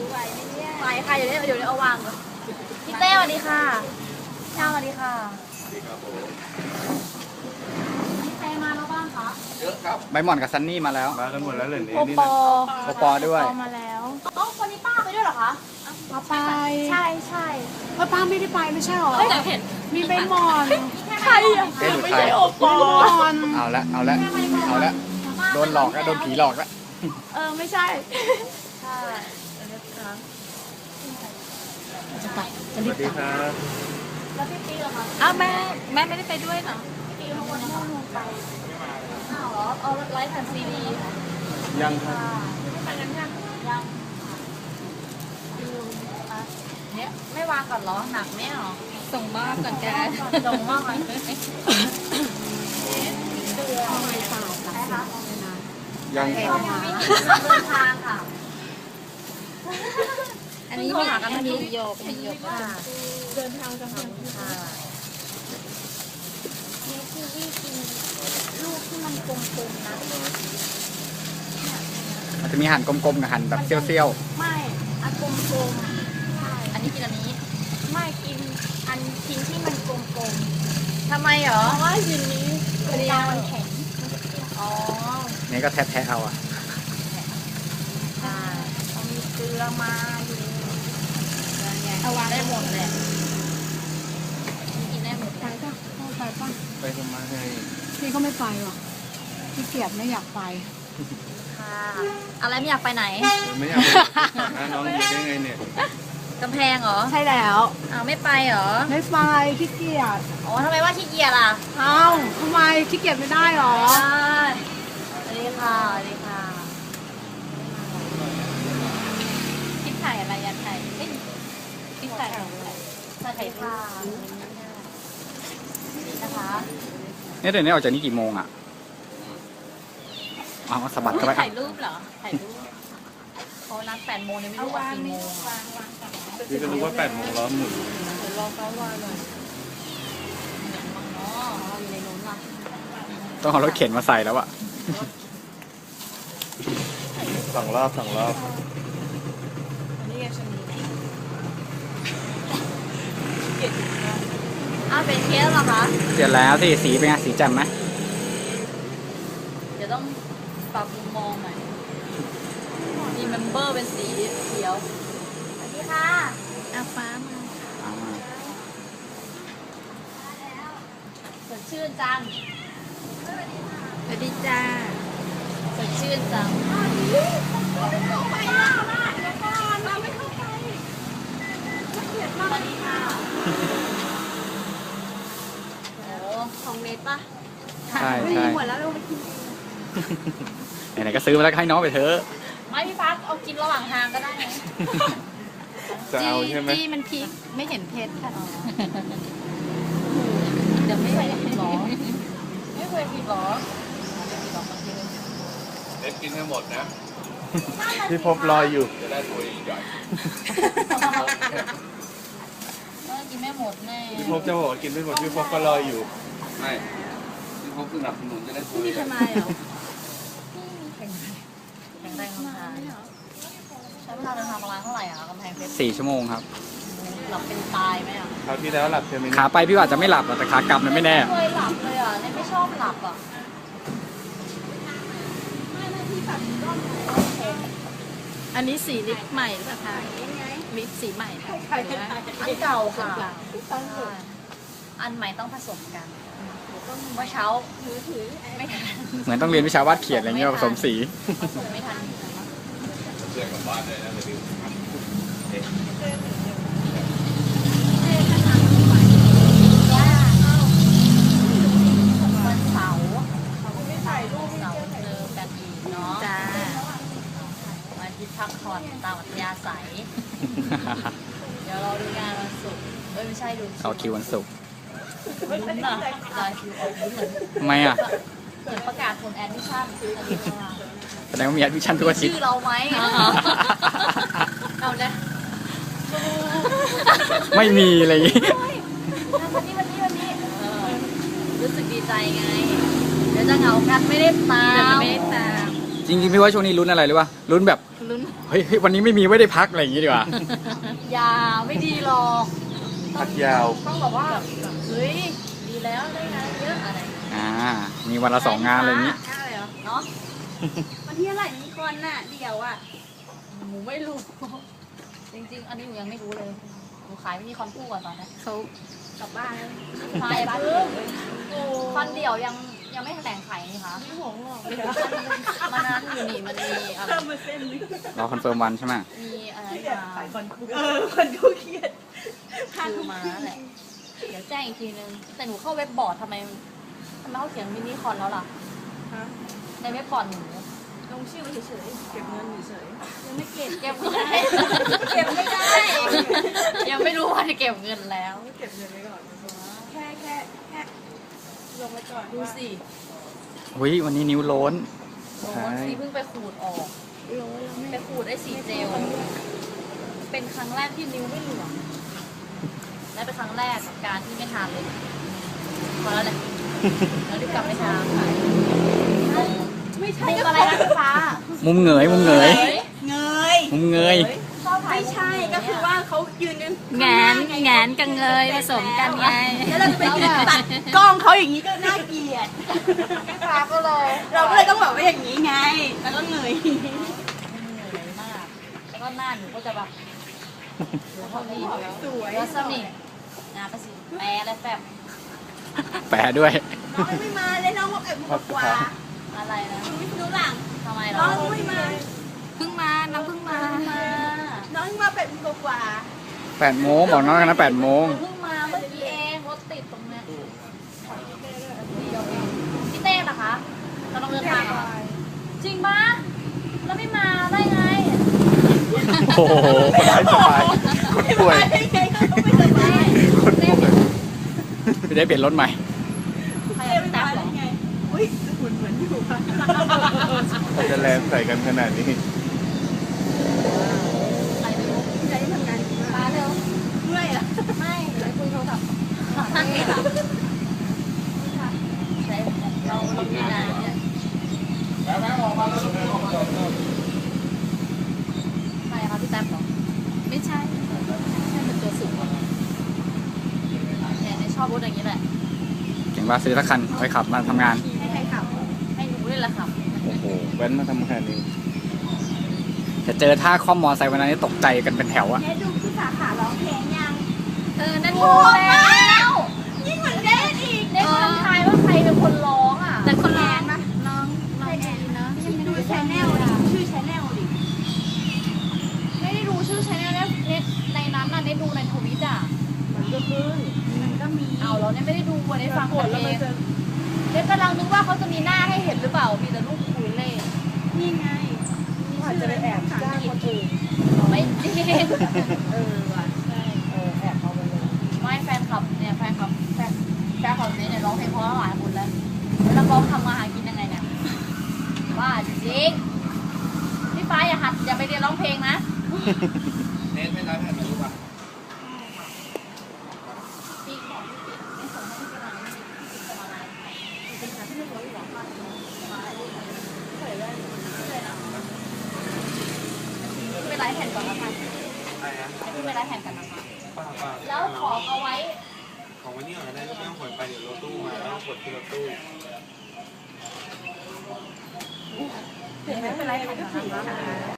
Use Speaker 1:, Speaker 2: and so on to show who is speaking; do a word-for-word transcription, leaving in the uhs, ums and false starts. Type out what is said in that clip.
Speaker 1: ไหวไหมเนี่ย
Speaker 2: ไหวค่ะเดี๋ยวเดี๋ยวเดี๋ยวเอาวางก่อนพี่เต้สวัสดีค่ะช่างสวัสดีค่ะ
Speaker 3: สวัสดีครับผม
Speaker 2: มีใครมาแล้วบ้างคะ
Speaker 3: เยอะครับ
Speaker 4: ใบหม่อนกับซันนี่มาแล้ว
Speaker 3: มากันหมดแล้วเหรอเนี่ย
Speaker 2: โอ
Speaker 3: นี่
Speaker 2: ป
Speaker 3: นะ
Speaker 2: อ
Speaker 4: โอปอด้วย
Speaker 2: มาแล้วอ๋อวันนี้ป้าไปด้วยเหรอคะ
Speaker 1: เอาไป
Speaker 2: ใช่ใช่
Speaker 1: เพราะป้าไม่ได้ไปไม่ใช่หรอ
Speaker 2: แต่เห็น
Speaker 1: มีใบหมอน
Speaker 2: ใครอ่ะ
Speaker 4: เอ๊ะหรือ
Speaker 2: ไม่
Speaker 4: ใคร
Speaker 2: ใช่โอปอ
Speaker 1: หมอน
Speaker 4: เอาละเอาละเอาละโดนหลอกแล้วโดนผีหลอกแล้ว
Speaker 2: เออไม่ใช่ใช่เดี๋ยวนะคะ
Speaker 1: จะไปจะ
Speaker 3: ส
Speaker 1: รี
Speaker 3: วั
Speaker 1: บ
Speaker 3: สดี
Speaker 1: กลับ
Speaker 3: ครับ
Speaker 2: แล้วพี่ปีเหรอคะอ้าวแม่แม่ไม่ได้ไปด้วยเหรอพี่ปีเขาวันนี้เขาลงไปอ้าวเหรอเอาไลฟ์แผ่นซีดี
Speaker 3: ยังครับ
Speaker 2: ไม่ได้ไปกันยังยังเนี่ยไม่วางก่อนเหรอหนักไหมหรอส่งมากก่อนแกส่งมากไหมเดือ
Speaker 1: ไม่ตายกลับ
Speaker 2: ใช่คะ
Speaker 3: ยังค
Speaker 2: เดิ
Speaker 3: รับ
Speaker 2: นทางค่ะ
Speaker 1: อันนี้มีอันนี้โยกเป็นโยก
Speaker 2: ค่ะ
Speaker 1: เดินทางกัน
Speaker 2: ค่ะ
Speaker 1: นี่คือวิ่งกินลูกที่มันกลมๆนะ
Speaker 4: มันจะมีหั่นกลมๆกับหั่นแบบเซี่ยว
Speaker 1: ไม่อันกลมๆใช่
Speaker 2: อันนี้กินอันนี้
Speaker 1: ไม่กินอันชิ้นที่มันกลม
Speaker 2: ทำไมเหรอ
Speaker 1: ๆเพราะว่าชิ้นนี้ตรงกลางมันแข็ง
Speaker 2: อ๋อ
Speaker 4: ๆนี่ก็แทะๆเอาอะ
Speaker 2: ใช่
Speaker 1: เอามีเกลือมาอยู่
Speaker 2: เอาวางได้หมดเลยกินได้หมด
Speaker 1: ไปป่ะเข้าไปป่ะ
Speaker 3: ไปทำไมให้
Speaker 1: พี่ก็ไม่ไปหรอกพี่เกียจไม่อยากไป
Speaker 2: ค่ะอะไรไม่อยากไปไหน
Speaker 3: ไม่อยากไปหาน้องอยู่ได้ไงเนี่ย
Speaker 2: กำแพงเหรอ
Speaker 1: ใช่แล้ว
Speaker 2: อ้าวไม่ไปเหรอ
Speaker 1: ไม่ไปขี้เกียจ
Speaker 2: อ๋อทำไมว่าขี้เกียจล่ะ
Speaker 1: เอ้าทำไมขี้เกียจไม่ได้หรอ
Speaker 2: ใช่สวัสดีค่ะสวัสดีค่ะคิดถ่ายอะไรยันถ่ายเอ้ยคิดถ่ายอะไรสวัสดีค่ะนี่นะคะ
Speaker 4: เนี่ยเดี๋ยวนี้ออกจากนี่กี่โมงอะเอาสะบัดเข้าไป
Speaker 2: ถ่ายรูปเหรอ ถ่ายรูปเขานัดแปดโมงเนี่ยไม่รู้ว่ากี่โมงอะ
Speaker 3: พี่ก็รู้ว่าแปดโมงล้อมหมุน
Speaker 1: เดี๋ยวรอเขาวางหน่อย
Speaker 2: มั้งเนาะอยู่ในนู้นล่ะ
Speaker 4: ต้องเอารถเข็นมาใส่แล้วอะ
Speaker 3: สองรอบสองรอบ
Speaker 1: อันนี้ไงชนี
Speaker 2: อ้าวเป็นเคสเหรอคะ
Speaker 4: เสร็จแล้วสิสีเป็นไงสีแจ่มไหม
Speaker 2: เดี๋ยวต้องปรับมุมมองหน่อยมีเมมเบอร์เป็นสีเขียวสวัสดีค่ะ
Speaker 1: อาฟ้ามา
Speaker 4: อ่า
Speaker 2: สดชื่นจัง
Speaker 1: สวัสดีจ้า
Speaker 2: สดชื่นจัง
Speaker 1: ไปล่ะล่ะเดี๋ยวก่อนเราไม่เข้าไปเกียดมากเลยค่ะ
Speaker 2: โอ้ของเนตปะ
Speaker 4: ใช่
Speaker 1: ไม่
Speaker 4: ใช่
Speaker 1: มีหมดแล้วเราไปกิน
Speaker 4: ไหนๆก็ซื้อมาแล้วก็ให้น้องไปเถอะ
Speaker 2: ไม่พี่พักเอากินระหว่างทางก็ได้ไง
Speaker 3: จะเอาใช่ไหม
Speaker 1: จี้มันพริกไม่เห็นเพชรค่ะ
Speaker 2: เดี๋ยวไม่เคยกินหรอ ไม่เคยกินหรอ
Speaker 3: เด็ดกินให้หมดนะ พี่พบรออยู่ จะได้ตัวใหญ่
Speaker 2: ก็กินไม่หมดแน่
Speaker 3: พี่พบจะบอกว่ากินไม่หมดพี่พบก็รออยู่ไม่พี่พบสนับสนุนจะได้ตัว
Speaker 1: มี
Speaker 3: ใหญ่
Speaker 1: ทนายเหรอ
Speaker 2: แข็งแรงกำลังใช้เวลาเดินทางประมาณเท่าไหร่อะกำแพงเพชร
Speaker 4: สี่ชั่วโมงครับ
Speaker 2: หลับเป็นตายไหมอะ
Speaker 3: คราวที่แล้วหลับใช่ไหม
Speaker 4: ขาไปพี่ว่าอาจจะไม่หลับหรอกแต่ขากลับมันไม่แน่
Speaker 2: ไม่เคยหลับเลยอ่ะเนี่ยไม่ชอบหลับอ่ะ
Speaker 1: อันนี้สีลิปใหม่หรือเปล่าคะลิปสีใหม่ค่ะ
Speaker 2: อันเก่าค่ะใช่อันใหม่ต้องผสมกันเมื่อเช้าไม่ทัน
Speaker 4: เหมือนต้องเรียนวิชาวาดเขียนอะไรเงี้ยผสมสี
Speaker 2: ผสมไม่ทัน
Speaker 3: เรียกกลับบ้านเลยนะเดี๋ยว
Speaker 2: วันเสาร์ไม่ถ่ายรูปเสาร์เจอกันอีกเนาะ
Speaker 1: จ้า
Speaker 2: วันอาทิตย์พักผ่อนตามอัธยาศัย เดี๋ยวเราดูงานวันศุกร์เอ้ยไม่ใช่ดู
Speaker 4: เอาคิววันศุกร์
Speaker 2: ลุ้นอ่ะรายคิวออกลุ้นเหมือน
Speaker 4: ทำไมอะ
Speaker 2: เหมือนประกาศผลแอดมิชชั่นอันนี้เข้ามา
Speaker 4: แสดงว่ามีแอดมิชชั่นทุกอาทิตย์
Speaker 2: ชื่อเราไหมเอาเลย
Speaker 4: ไม่มีอะไรอย่างงี้
Speaker 2: วันนี้วันนี้วันนี้เออรู้สึกดีใจไง เดี๋ยวจะเหงากันไม่ได้ตาม
Speaker 1: เดี๋ยวมันไม่ได้ตาม
Speaker 2: ใ
Speaker 4: จริงๆพี่ว่าช่วงนี้ลุ้นอะไรหรือวะลุ้นแบบ
Speaker 2: ลุ้น
Speaker 4: เฮ้ยเฮ้ยวันนี้ไม่มีไม่ได้พักอะไรอย่างงี้ดีกว่า
Speaker 2: อย่าไม่ดีหรอก
Speaker 3: พักยาว
Speaker 2: ต้องแบบว่าเฮ้ยดีแล้วได้งานเยอะอะไร
Speaker 4: อ่ามีวันละสองงานอะไรอย่างงี้
Speaker 1: ใช่เหรอ
Speaker 2: เนาะ
Speaker 1: วันที่อะไรมีคนน่ะเดี๋ยวอ่ะ
Speaker 2: หนูไม่รู้ จริงๆ อันนี้หนูยังไม่รู้เลยหนูขายไม่มีคอนคู่ก่อนตอนนี้
Speaker 1: เขากลับบ้านแล้ว
Speaker 2: ขายบ้านคอนเดียวยังยังไม่แถลงขายนี่คะ
Speaker 1: ไม่หวงหรอก
Speaker 2: มันนั้นอยู่นี่มันมีอะไร
Speaker 1: เพิ่มมาเส้นนึง
Speaker 4: รอคอนเฟิร์มวันใช่ไหม
Speaker 2: มีอะไร
Speaker 1: ขาย
Speaker 2: มา
Speaker 1: คนคู่เออคนคู่เครียด
Speaker 2: คือมาแหละ เดี๋ยวแจ้งอีกทีนึง แต่หนูเข้าเว็บบอร์ดทำไมทำไมเขาเขียนมินิคอนแล้วล่ะ
Speaker 1: ฮะ
Speaker 2: ในเว็บบอร์ดหนู
Speaker 1: ลงชื่อมาเฉยๆเก็บเงินเฉยๆยังไม่เก็บ
Speaker 2: เก็บเงิน
Speaker 1: เก็บไม่ได้
Speaker 2: ยังไม่รู้ว่าจะเก็บเงินแล้ว
Speaker 1: เก็บเงินไว้ก่อนแค่แค่แค่ลงไว้ก่อน
Speaker 2: ดูสิ
Speaker 4: อุ้ยวันนี้นิ้วโล้น
Speaker 2: โอ้ยนี่เพิ่งไปขูดออก
Speaker 1: ลงไว้แล้ว
Speaker 2: ไป
Speaker 1: ไม่
Speaker 2: ขูดได้สีเจล เป็นครั้งแรกที่นิ้วไม่เหลืองและเป็นครั้งแรกกับการที่ไม่ทานเลยพอแล้วแหละแล้วรีบกลับไปทาน
Speaker 1: ไม่ใช่
Speaker 2: มุก
Speaker 1: ก็
Speaker 2: อะไรนะพี่ฟ้า
Speaker 4: มุมเหงยมุมเหงย
Speaker 1: เงย
Speaker 4: มุมเงย
Speaker 2: ชอบถ่าย
Speaker 1: ไม่ใช่ก็คือว่าเขายืนกัน
Speaker 5: แงนแงนกับเงยผสมกันไง
Speaker 1: แล้วเราจะไปยืนตัดกล้องเขาอย่างนี้ก็น่าเกลียด
Speaker 2: พี่ฟ้าก็เลย
Speaker 1: เราก็เลยต้องแบบว่าอย่างนี้ไง แล้วก็เงย
Speaker 2: เหนื่อยมาก แล้วก็หน้าหนูก็จะแบบเหลือเท่านี้
Speaker 1: สวย
Speaker 2: แล้วสมิงนะประสิแปรอะไรแฟบ
Speaker 4: แปะด้วย
Speaker 1: น้องไม่มาเลยน้องบอกเอ็มกว่า
Speaker 2: อะไรนะ
Speaker 1: ไม่รู้หลัง
Speaker 2: ทำไมเหร
Speaker 1: น้
Speaker 2: อ
Speaker 1: องไม่มา
Speaker 5: เพิ่งมาน้องเพิ่งมา
Speaker 2: มา
Speaker 1: น้องมาเป็ดกว่า
Speaker 4: แปดโมงบอกน้องกันนะแปดโมง
Speaker 2: เพิ่งมาเมื่อกี้เองรถติดตรงเนี้ยพี่เต้เหรอคะเราต้องเดินทางเหรอจริงปะแล้วไม่มาได้ไง
Speaker 4: โอ้โห
Speaker 3: สบายป่วย
Speaker 1: ได้ไงเขาไม่สบาย
Speaker 4: ไม่ได้เปลี่ยนรถใหม่
Speaker 2: ใคร
Speaker 1: เต้
Speaker 2: ไม่
Speaker 1: ไม่
Speaker 2: ตั
Speaker 1: มา
Speaker 2: บเหร
Speaker 1: ได้
Speaker 2: อ
Speaker 1: ไงอุ้ยหุ่นเหมือนอยู่ค่ะ
Speaker 3: จะแรงใส่กันขนาดนี้
Speaker 2: ใครไม่รู้
Speaker 1: ใจทำงานดีมาก
Speaker 2: มาเร็ว
Speaker 1: เมื่อยอ่ะ
Speaker 2: ไม่ไปคุยโทรศัพท์ใช่เราเรามีงานเนี่ยใครคะพี่แท็บเหรอ
Speaker 5: ไม่ใช่
Speaker 2: ใช่เป็นตัวสูงกว่าเราเนี่ยในชอบรถอย่างนี้แหละ
Speaker 4: เก่งว่าซื้อสักคันไว้ขับมาทำงาน
Speaker 1: ให้ใครขับ
Speaker 2: ให้หนูเลยแหละค่ะ
Speaker 3: โอ้โหแว้นมาทำงานเอง
Speaker 4: จะเจอท่าคล่อมมอไซค์วันนั้นนี่ตกใจกันเป็นแถวอะ
Speaker 1: เนี่ยดูพี่สาขาร้องเพลงยัง
Speaker 5: เออ นั่น
Speaker 2: โอ้
Speaker 5: ดู
Speaker 2: แล้ว
Speaker 1: ยิ่งเหมือนเล่นอีก
Speaker 2: เด็กคนทายว่าใครเป็นคนร้องอ่ะ
Speaker 5: แต่คนร้องน้องน้องดีเนาะ
Speaker 1: ดูชแนลดิชื่อชแนลดิ
Speaker 2: ไม่ได้ดูชื่อชแนลเนี่ยเน็ตในนั้นน่ะเน็ตดูในทวิตอ่ะ
Speaker 1: มันก็ขึ้นมันก็มี
Speaker 2: เอาแล้วเนี่ยไม่ได้ดูวันนี้ฟัง
Speaker 1: กดแล้ว
Speaker 2: เอ
Speaker 1: มัน
Speaker 2: ง
Speaker 1: จะ
Speaker 2: เน็ตกำลังนึกว่าเขาจะมีหน้าให้เห็นหรือเปล่า มีแต่รูปคุยเล่
Speaker 1: นี่ไงอาจจะไปแอบจ้างคนอื่น
Speaker 2: ไม่จริง
Speaker 1: เออว่ะใช่เออแอบเอาไปเลย
Speaker 2: ไม่แฟนคลับเนี่ยแฟนคลับแฟนแฟนคลับเนี่ยร้องเพลงเพราะหลายคนแล้วแล้วนักร้องทำมาหากินยังไงเนี่ยว่าจริงพี่ฟ้าอย่าหัดอย่าไปเรียนร้องเพลงนะ
Speaker 3: เน้นไม่รับแผ่นรู้ป่ะ
Speaker 2: พี่บอกพี่ปิดไม่ส่งให้พี่กำลังพี่ปิดจะมาอะไรเป็นการที่ไม่รู้หรอกว่าจะมาอะไรเคยเลยเคยนะไปไลฟ์แผ่นก่อนนะคะ
Speaker 3: อะไรนะ
Speaker 2: ให้พี่ไปไลฟ์แผ่นกันนะคะ
Speaker 3: ป้าป้า
Speaker 2: แล้วของเอาไว้
Speaker 3: ของวันนี้ก่อนก็ได้ไม่ต้องขนไปเดี๋ยวรถตู้มาแล้วต้องกดที่รถตู้
Speaker 2: ไม่เป็นไรแผ่นก่อนนะคะ